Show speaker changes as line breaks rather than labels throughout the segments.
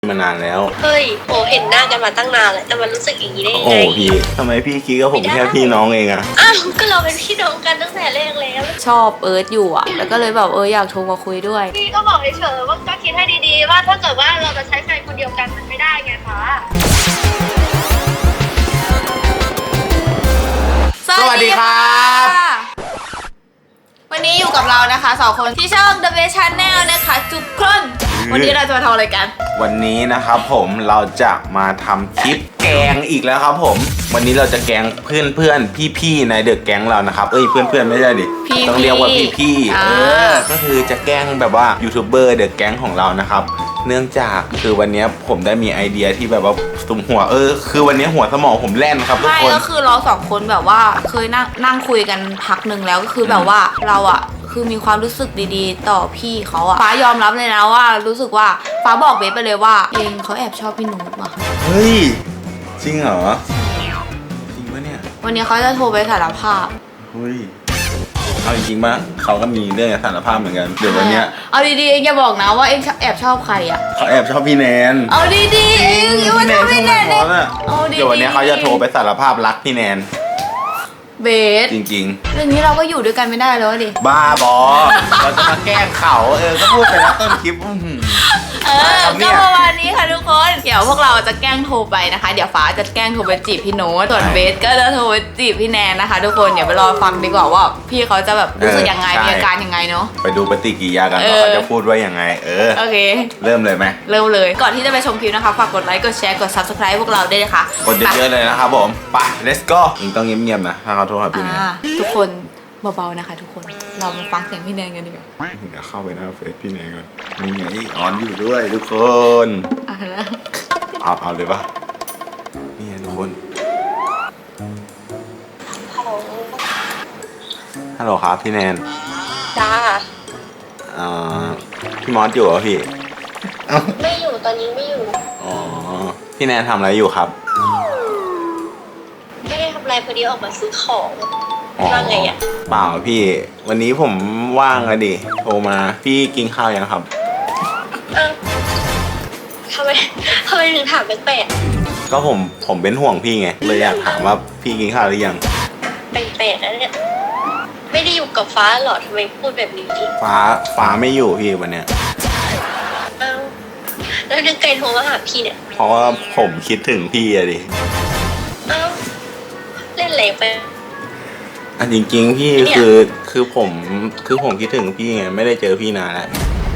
มานานแล้ว
เฮ้ยโหเห็นหน้ากันมาตั้งนานแล้วแต่มันรู้สึกอย่างนี้ได้ยัง
โอ้
ไง
พี่ทำไมพี่คิดกับผมแค่พี่น้องเองอะ
อ้าวก็เราเป็นพี่น้องกันตั้งแต่แรกแล้ว
ชอบเอิร์ธอยู่อ่ะ แล้วก็เลยแบบอยากโทรมาคุยด้วย
พี่ก็บอกเฉยๆว่าก็คิดให้ดีๆว่าถ้าเกิดว่าเราจะใช้แฟนคนเดียวกันมันไม่ได้ไงคะ
สวัสดีครับวันนี้อยู่กับเรานะคะ2คนที่ช่อง The Best Channel นะคะทุกคนวันนี้เราจะมาทำอะไรกัน
วันนี้นะครับผมเราจะมาทำคลิปแกงอีกแล้วครับผมวันนี้เราจะแกงเพื่อนๆพี่ๆในเดอะแก๊งเรานะครับเพื่อนๆไม่ใช่ดิ
พี่ๆ
ต้องเรียกว่าพี่ๆก็คือจะแกล้งแบบว่ายูทูบเบอร์เดอะแก๊งของเรานะครับเนื่องจากคือวันนี้ผมได้มีไอเดียที่แบบว่าสุมหัวคือวันนี้หัวสมองผมแล่นครับทุก
ไม่
คน
ก็คือเรา2คนแบบว่าเคยนั่งคุยกันพักหนึ่งแล้วก็คือแบบว่าเราอะคือมีความรู้สึกดีๆ ต่อพี่เขาอะฟ้ายอมรับเลยนะว่ารู้สึกว่าฟ้าบอกเบสไปเลยว่าเองเขาแอบชอบพี่นุชว่ะ
เฮ้ยจริงเหรอจริงปะเนี่ย
วันนี้เขาจะโทรไปสารภาพ
เฮ้ยเอาจริงๆปะเขาก็มีเรื่องสารภาพเหมือนกันเดี๋ยววันเนี้ย
เอาดีๆเองอย่าบอกนะว่าเองแอบชอบใครอะ
เขาแอบชอบพี่แนน
เอาดีๆเองอย่ามาทำพี่แนน
ช
ดิ
อบอะ
เอาดีๆ
เดี๋ยววันเนี้ยเขาจะโทรไปสารภาพรักพี่แนน
เบส
จริง
เรื่องนี้เราก็อยู่ด้วยกันไม่ได้แล้วดิ
ๆ บ้าบอ เราจะมาแกล้งเขาก็พูดไปแล้วต้นคลิปครับเนี่
ก็
ย
ประมาณนี้ค่ะทุกคน เดี๋ยวพวกเราจะแกล้งโทรไปนะคะ เดี๋ยวฟ้าจะแกล้งโทรไปจีบพี่โน้ตส่วนเบสก็จะโทรไปจีบพี่แนนนะคะ ทุกคนเดี๋ยวไปรอฟังดีกว่าว่าพี่เขาจะแบบรู้สึกยังไงมีอาการยังไงเนาะ
ไปดูปฏิกิริยากันว่าเขาจะพูดว่ายังไง
โอเค
เริ่มเลยไหม
เริ่มเลย ก่อนที่จะไปชมคลิปนะคะ ฝากกดไลค์ กดแชร์ กด subscribe พวกเราด้วยนะคะ
กดเยอะๆเลยนะครับผมไป let's go มึงต้องเงียบๆนะถ้าเขาโทรหาพี่แนน
ทุกคนเบาๆนะคะ ทุกคน เรามาฟังเสียงพี่แนนกันดีกว่า
เดี๋ยวเข้าไปหน้าเฟซพี่แนนก่อนนี่ไงออนอยู่ด้วยทุกคน
แล้ว
เอาเลยปะนี่ไงทุกคน
ฮัลโหล
ฮัลโหลครับพี่แนน
จ้า
พี่มอสอยู่เหรอพี่
ไม่อยู่ตอนนี้ไม่อยู่
อ๋อ พี่แนนทำอะไรอยู่ครับ
ไม่ได้ทำอะไรพอดีออกมาซื้อของ
อ๋อ
ว่าไงอ่ะ
เปล่าพี่ วันนี้ผมว่างอะดิ โทรมา พี่กินข้าวยังครับ
อ้าวทำไมถึงถามแปลก
ก็ผมเป็นห่วงพี่ไง เลยอยากถามว่าพี่กินข้าวหรือยัง
ๆแปลกๆนะเนี่ยไม่ได้อยู่กับฟ้าหรอทำไมพูดแบบนี้
ฟ้าไม่อยู่พี่วันเนี้ย
อ้าวแล้วนึกไกลโทรมาหาพี่เนี่ย
เพราะว่าผมคิดถึงพี่อะดิ
อ้าวเล่นอะไรไป
อันจริงๆพี่
เนี่ย
คือผมคิดถึงพี่ไง ไม่ได้เจอพี่นานแล้ว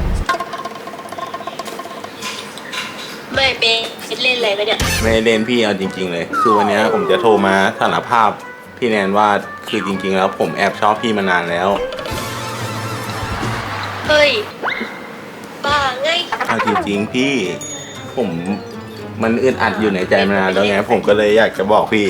ไม่เป็นเล่นอะไรไปเนี่ย
ไม่ได้เล่นพี่เอาจริง ๆ เลย คือวันเนี้ยผมจะโทรมาสารภาพพี่แนนว่าคือจริง ๆ แล้วผมแอบชอบพี่มานานแล้ว
เฮ้ยบ้าไง
เอาจริงๆพี่ผมมันอึดอัดอยู่ในใจมานานแล้วไงผมก็เลยอยากจะบอกพี่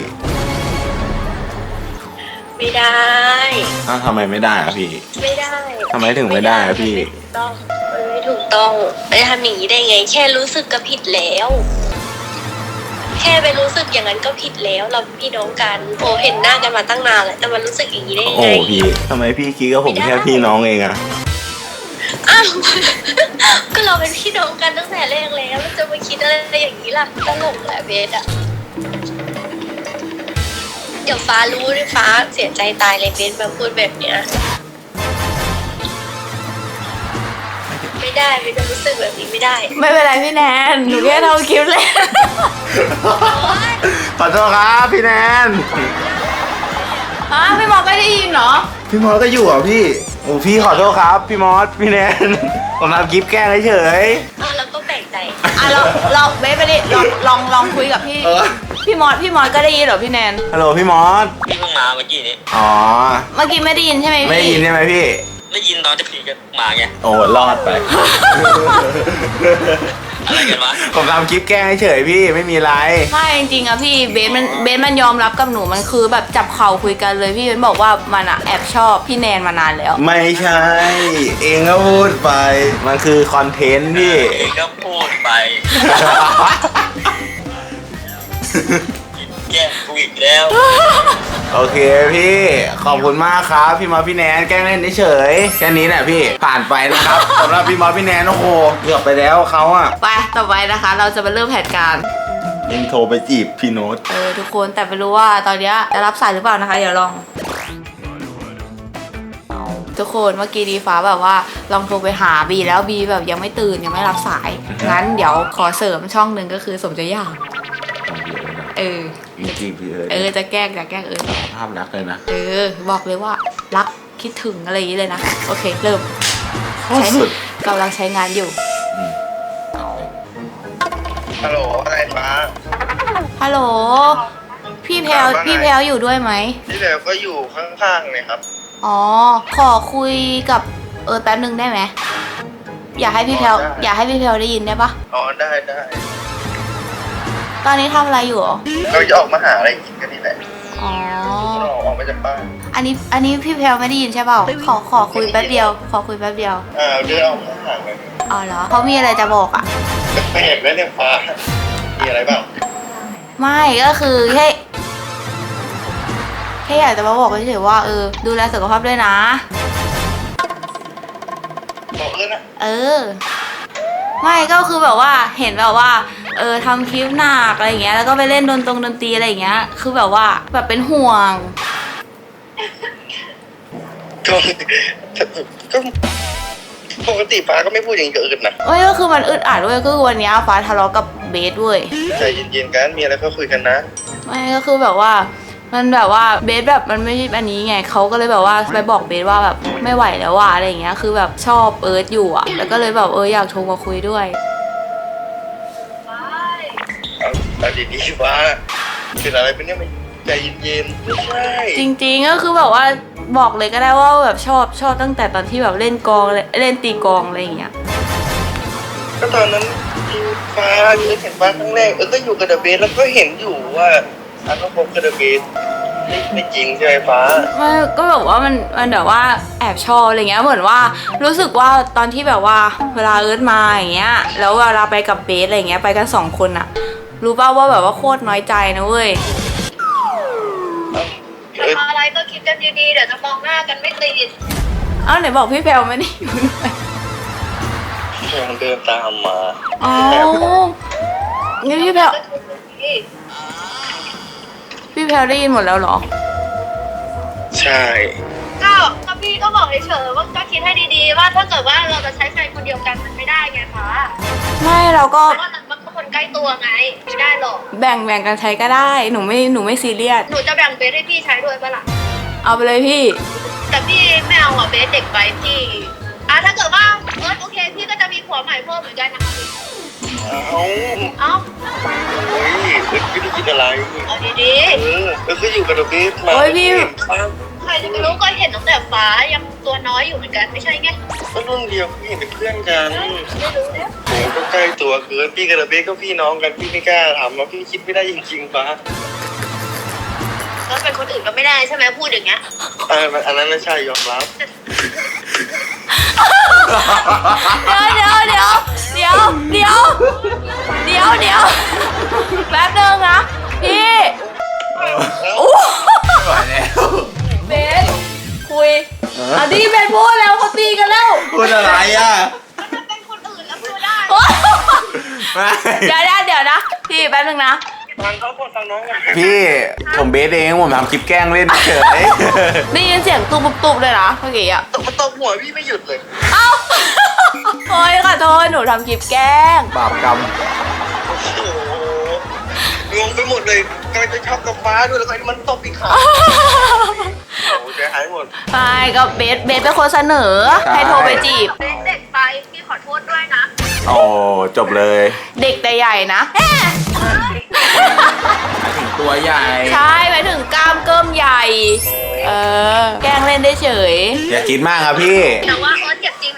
ไม่ได้
อ้าวทำไมไม่ได้อะพี่
ไม่ได้
ทำไมถึงไม่ได้อะพี่
มันไม่ถูกต้องมันจะทำอย่างนี้ได้ไง แค่รู้สึกก็ผิดแล้ว แค่ไปรู้สึกอย่างนั้นก็ผิดแล้ว เราพี่น้องกันโอ้เห็นหน้ากันมาตั้งนานแล้วแต่มันรู้สึกอย่างนี้ได้ยัง
โอ้
ไง
พี่ทำไมพี่คิดกับผมแค่พี่น้องเองอะ
อ้าว ก็เราเป็นพี่น้องกันตั้งแต่แรกแล้วจะมาคิดอะไรอย่างนี้ล่ะตลกแหละเบสอะเดี๋ยวฟ้ารู้ด้วยฟ้าเสียใจตายเลยเบสมาพูดแบบเนี้ยไม่ได้เบสจะรู้สึกแบบนี้ไม่ได้
ไม่เป็นไรพี่แนน หนูแค่ทำคลิปเลย
ขอโทษครับพี่แนน
พี่หมอก็ได้ยินเหรอ
พี่มอสก็อยู่เหรอพี่โอ้พี่ขอโทษครับพี่มอสพี่แนน ผมทำคลิปแกล้งเฉย
แล้วก็แปลกใจ
เราเบสไปดิลองคุยกับพี่ พี่มอสก็ได้ยินเหรอพี่แนน
ฮัลโหลพี่มอส
พี่เพิ่งมาเมื่อกี้นี้
อ๋อ
เมื่อกี้ไม่ได้ยินใช่ไหมพี่
ไม่ได้ยินใช่ไหมพี่
ได้ยินตอนที่พี่กันมาไง
โอ้รอดไป
อะไรกันวะ
ผมทำคลิปแกล้งเฉยพี่ไม่มีไร
ไม่จริงๆอะพี่เบสมันยอมรับกับหนูมันคือแบบจับเข่าคุยกันเลยพี่เบสบอกว่ามันอะแอบชอบพี่แนนมานานแล้ว
ไม่ใช่ เองก็พูดไป มันคือคอนเทนต์พี่
เองก็พูดไป แย่งกูอีกแล้ว
โโอเคพี่ขอบคุณมากครับพี่มอสพี่แนนแกล้งเล่นเฉยๆแค่นี้แหละพี่ผ่านไปนะครับ สำหรับพี่มอสพี่แนนโอ้โหเกือบไปแล้วเขาอะ
ไปต่อไปนะคะ เราจะมาเริ่มแผนการ
ยังโทรไปจีบพี่โน้ต
ทุกคนแต่ไม่รู้ว่าตอนเนี้ยจะรับสายหรือเปล่านะคะ เดี๋ยวลอง ทุกคนเมื่อกี้ดีฟ้าแบบว่าลองโทรไปหาบีแล้วบีแบบยังไม่ตื่นยังไม่รับสายงั้นเดี๋ยวขอเสริมช่องหนึ่งก็คือสมใจอยาก
จริงๆพี่
จะแกล้ง
ภาพรักเลยนะ
บอกเลยว่ารักคิดถึงอะไรอย่างนี้เลยนะโอเคเริ่ม
สุด
กำลังใช้งานอยู่
ฮัลโหลอะไรฟ้า
ฮัลโหลพี่แพลว
ว่าไง
พี่แพลวอยู่ด้วยไหม
ที่แล้วก็อยู่ข้างๆเลยครับ
อ๋อขอคุยกับแป๊บนึงได้ไหมอยากให้พี่แพลว
ได้
อยากให้พี่แพลวได้ยินได้ปะ
อ๋อได้
ตอนนี้ทำอะไรอยู่หรอ
เราจะออกมาหาอะไรกินกันนี่แหละ
อ๋อ
เราออกมาจากบ้าน
อันนี้พี่แพลวไม่ได้ยินใช่เปล่าขอคุยแป๊บเดียว
เดินออกมาหากัน
อ๋อเหรอเขามีอะไรจะบอกอ่ะ
แปลกแล้วเนี่ยฟ้ามีอะไรบ้าง
ไม่ก็คือแค่อยากจะมาบอกเฉยๆว่าดูแลสุขภาพด้วยนะ
บอกนะ
ไม่ก็คือแบบว่าเห็นแบบว่าทำคลิปหนักอะไรอย่างเงี้ยแล้วก็ไปเล่นดนตรีอะไรอย่างเงี้ยคือแบบว่าแบบเป็นห่วง
ก็ปกติฟ้าก็ไม่พูดอย่างนี้กับอื่นนะ
ก็คือมันอึดอัดด้วยก็คือวันเนี้ยฟ้าทะเลาะกับเบสด้วย
ใจเย็นๆกันมีอะไรก็คุยกันนะ
ไม่ก็คือแบบว่ามันแบบว่าเบสแบบมันไม่ใช่อันนี้ไงเขาก็เลยแบบว่าไปบอกเบสว่าแบบไม่ไหวแล้วว่ะอะไรอย่างเงี้ยคือแบบชอบอยู่อ่ะแล้วก็เลยแบบอยากโทรมาคุยด้วย
เอาดีๆฟ้าเป็นอะไรเป็นเนี่ยมันใจเย็นๆไม่ใช่
จริงๆก็คือแบบว่าบอกเลยก็ได้ว่าแบบชอบตั้งแต่ตอนที่แบบเล่นกลองเล่นตีกลองอะไรอย่างเงี้ย
ก็ตอนนั้นฟ้าเห็นฟ้าครั้งแรกก็อยู่กับเดอะเบสแล้วก็เห็นอยู่ว่าก็พบกับเดอะเบสไม่จริงใช่ไหมฟ้า
ไม่ก็แบบว่ามันแบบว่าแอบชอบอะไรเงี้ยเหมือนว่ารู้สึกว่าตอนที่แบบว่าเวลามาอย่างเงี้ยแล้วเวลาไปกับเบสอะไรเงี้ยไปกัน2 คนอะรู้ป่าวว่าแบบว่าโคตรน้อยใจนะเว้ย
จะทำอะไรก็คิดกันดีๆเดี๋ยวจะมองหน้ากันไม่ติด
ไหนบอกพี่แพลวไม่ได้อยู่ด้วย
ยังเดินตามมา
อ๋องั้นพี่แพลวได้ยินหมดแล้วเหรอ
ใช่
ก็พี่ก็บอกเฉยๆว่าก็คิดให้ดีๆว่าถ้าเกิดว่าเราจะใช้ใครคนเดียวกันมันไม่ได้ไงฟ้า
ไม่เราก็
เพราะว่ามันก็คนใกล้ตัวไงไม่ได้หรอก
แบ่งกันใช้ก็ได้หนูไม่ซีเรียส
หนูจะแบ่งเบสให้พี่ใช้ด้วยปะล่ะ
เอาไปเลยพี่
แต่พี่ไม่เอาเบสเด็กไปพี่ถ้าเกิดว่าโอเคพี่ก็จะมีผัวใหม่เพิ่มเหมือนกันนะคะพี่
เอา โอ้ยไม่ได้คิดอะไร
เอาดี
ก็อยู่กับเดอะเบสมา
โอ้ยพี่
ๆใครจะไปรู้ก็เห็นตั้งแต่ฟ้ายังตัวน้อยอยู่เหมือนกันไม่ใช่ไง
ก็รุ่นเดียวพี่เป็นเพื่อนกัน
ไม่รู้แล้ว
ผมก็ใกล้ตัวเกินพี่กับเดอะเบสก็พี่น้องกันพี่ไม่กล้าทำแล้วพี่คิดไม่ได้จริงๆฟ้า
แล้วเป็นคนอื่นก็ไม่ได้ใช่ไหมพูดอย่างเงี้ย
อันนั้นไม่ใช่ยอมรับ
เดี๋ยวแป๊บนึงนะพี่โอ้
ไม่ไหวแล้ว
เบสคุยดีเบสพูดแล้วเขาตีกันแล้ว
พูดอะไรอ่ะ
ถ้าเป็นคนอื่นแล้วพูดได้
ไม่
เดี๋ยวนะพี่แป๊บนึงนะ
ฟังเขาคนฟังน้องกัน
พี่ผมเบสเองผมทำคลิปแกล้งเล่นเฉย
ได้ยินเสียงตุบๆเลยนะเมื่อกี้อ่ะ
ตบหัวพี่ไม่หยุดเลย
เอ้าโอ้ยขอโทษหนูทำคลิปแกล้ง
บาปกรรม
โอ้โหงงไปหมดเลยกำลังจะชอบกับฟ้าด้วยแล้วก็มันตบอีกขาโอ้โหใจหายหมด
ไม่ก็เบสเป็นคนเสนอให้โทรไปจีบ
เบสเด็กไปพี่ขอโทษด้วยนะ
โอ้จบเลย
เด็กแต่ใหญ่นะ
ถึงตัวใหญ่
ใช่ไปถึงกล้ามเกิ้มใหญ่ แกล้งเล่นได้เฉย
อย่าคิดมากครับพี่
แต่ว่าเจ็บจริงนะ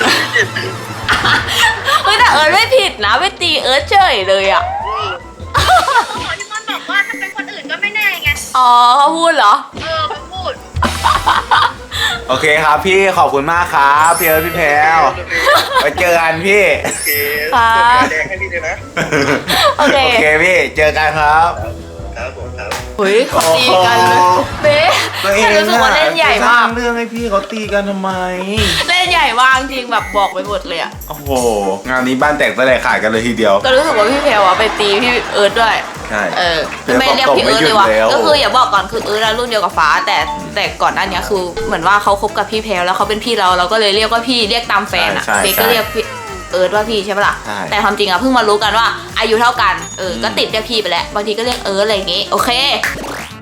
เฮ้ยแต่เอิร์ธไม่ผิดนะไปตีเอิร์ธเฉยเลยอ่ะ
หมอที่มันบอกว่าถ้าเป็นคนอื่นก็ไม่แน่ไง
อ๋อเขาพูดเหรอ
เขาพูด
โอเคครับพี่ขอบคุณมากครับพี่เอิร์ธพี่แพรวไปเจอกันพี่
โอเค
ค่ะ
แดงให้พี่เลยนะ
โอเค
โอเคพี่เจอกันครับ
ครับผมครับ
เฮ้ยเขาตีกันเลยเบ๊
ตัวเอง
ฉันรู้สึกว่าเล่นใหญ่มาก
สร้งเรื่องให้พี่เขาตีกันทำไม
เล่นใหญ่มากจริงแบบบอกไปหมดเลยอะ
โอ้โหงานนี้บ้านแตกสลายขาดกันเลยทีเดียว
ก็รู้สึกว่าพี่เพลอะไปตีพี่เอิร์ธด้วย
ใช่
ไม่เรียกพี่เอิร์ธเลยว่ะ
ไม่หยุดแล้ว
ก็คืออย่าบอกก่อนคือเอิร์ธรุ่นเดียวกับฟ้าแต่ก่อนหน้านี้คือเหมือนว่าเขาคบกับพี่เพลแล้วเขาเป็นพี่เราก็เลยเรียกว่าพี่เรียกตามแฟนอะ
ใช่
เบก็เรียกพี่เอิร์ธว่าพี่ใช่ปะล่ะ
ใช่
แต่ความจริงอะเพิ่งมารู้กันว่าอายุเท่ากันก็ติดเรียกพี่ไปแล้วบางทีก็เรียกเอิร์ธอะไรอย่างงี้โอเค